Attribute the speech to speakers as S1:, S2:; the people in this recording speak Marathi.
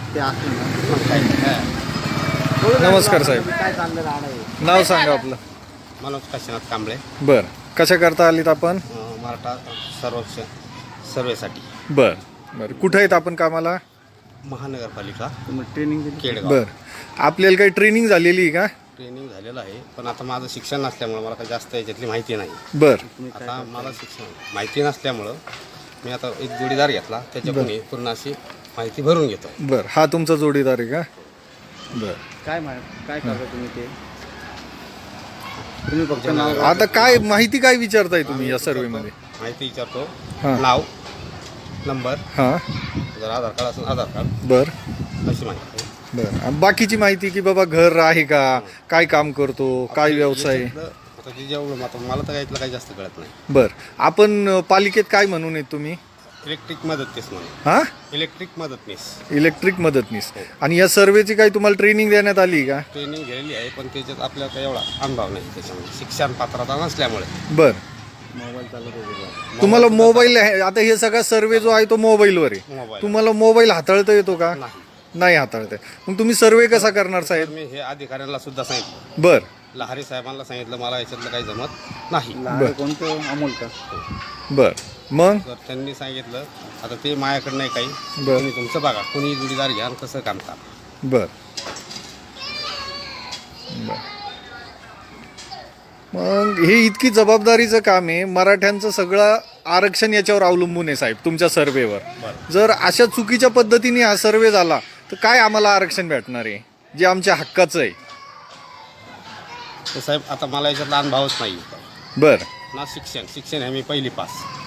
S1: ते असलं ना मग काही नाही.
S2: नमस्कार साहेब.
S1: काय चाललं राहणार आहे?
S2: नाव सांगा आपलं.
S3: मनोज काशीनाथ कांबळे.
S2: बर, कशा करता आलीत आपण?
S3: मराठा सर्वेक्षण सर्वेसाठी.
S2: बर बर, कुठं आहेत आपण कामाला?
S3: महानगरपालिका
S1: तुम्ही ट्रेनिंग दिली?
S3: केडगाव.
S2: बर, आपल्याला काही ट्रेनिंग झालेली आहे का?
S3: ट्रेनिंग झालेलं आहे, पण आता माझं शिक्षण नसल्यामुळं मला काही जास्त याच्यातली माहिती नाही.
S2: बर
S3: आता मला शिक्षण माहिती नसल्यामुळं मी आता एक जोडीदार घेतला, त्याच्याकडून पूर्ण अशी माहिती भरून घेतो.
S2: बर, हा तुमचा जोडीदार आहे का? बर,
S1: काय करता तुम्ही ते? तुम्ही फक्त नाव
S2: आता काय माहिती काय विचारताय तुम्ही या सर्वेमध्ये?
S3: माहिती विचारतो.
S2: हां.
S3: नाव, नंबर,
S2: हां.
S3: जर आधार कार्ड असेल आधार कार्ड,
S2: बर
S3: अशी माहिती.
S2: बर, बाकीची माहिती की बाबा घर आहे का, काय काम करतो, काय व्यवसाय आहे?
S3: याच्यातलं आता जे जेवढं आता मला तर यातलं काही जास्त कळत नाही.
S2: बर, आपण पालिकेत काय म्हणून आहेत तुम्ही?
S3: इलेक्ट्रिक मदतनीस म्हणून.
S2: हा,
S3: इलेक्ट्रिक मदतनीस
S2: इलेक्ट्रिक मदतनीस. आणि या सर्वेची काही तुम्हाला ट्रेनिंग देण्यात आली का?
S3: ट्रेनिंग घेतलेली आहे, पण त्याच्यात आपल्याला काही एवढा अनुभव नाही त्याच्यामध्ये, शिक्षण पात्रता नसल्यामुळे.
S2: बर,
S1: मोबाईल चालत होते.
S2: तुम्हाला मोबाईल आता हे सगळा सर्वे जो आहे तो मोबाईलवर आहे.
S3: मोबाईल
S2: तुम्हाला मोबाईल हाताळता येतो का?
S3: नाही.
S2: नाही हाताळता येत. मग तुम्ही सर्वे कसा करणार साहेब?
S3: मी हे अधिकाऱ्यांना सुद्धा सांगितलं,
S2: बर
S3: लहारी साहेबांना सांगितलं, मला याच्यातलं काही जमत नाही.
S1: लहान कोणतं अमोल का?
S2: बर, मग
S3: तर त्यांनी सांगितलं आता ते माझ्याकडे नाही काही,
S2: बरं.
S3: तुम्ही तुमचं बघा, कोणी जोडीदार घ्या आणि कसं काम का.
S2: बर बर. मग हे इतकी जबाबदारीचं काम आहे, मराठ्यांचं सगळं आरक्षण याच्यावर अवलंबून आहे साहेब, तुमच्या सर्वेवर. जर अशा चुकीच्या पद्धतीने हा सर्वे झाला तर काय आम्हाला आरक्षण भेटणार आहे जे आमच्या हक्काचं आहे?
S3: तर साहेब आता मला याच्यातला अनुभवच नाही.
S2: बर
S3: ना शिक्षण आहे मी पहिली पास.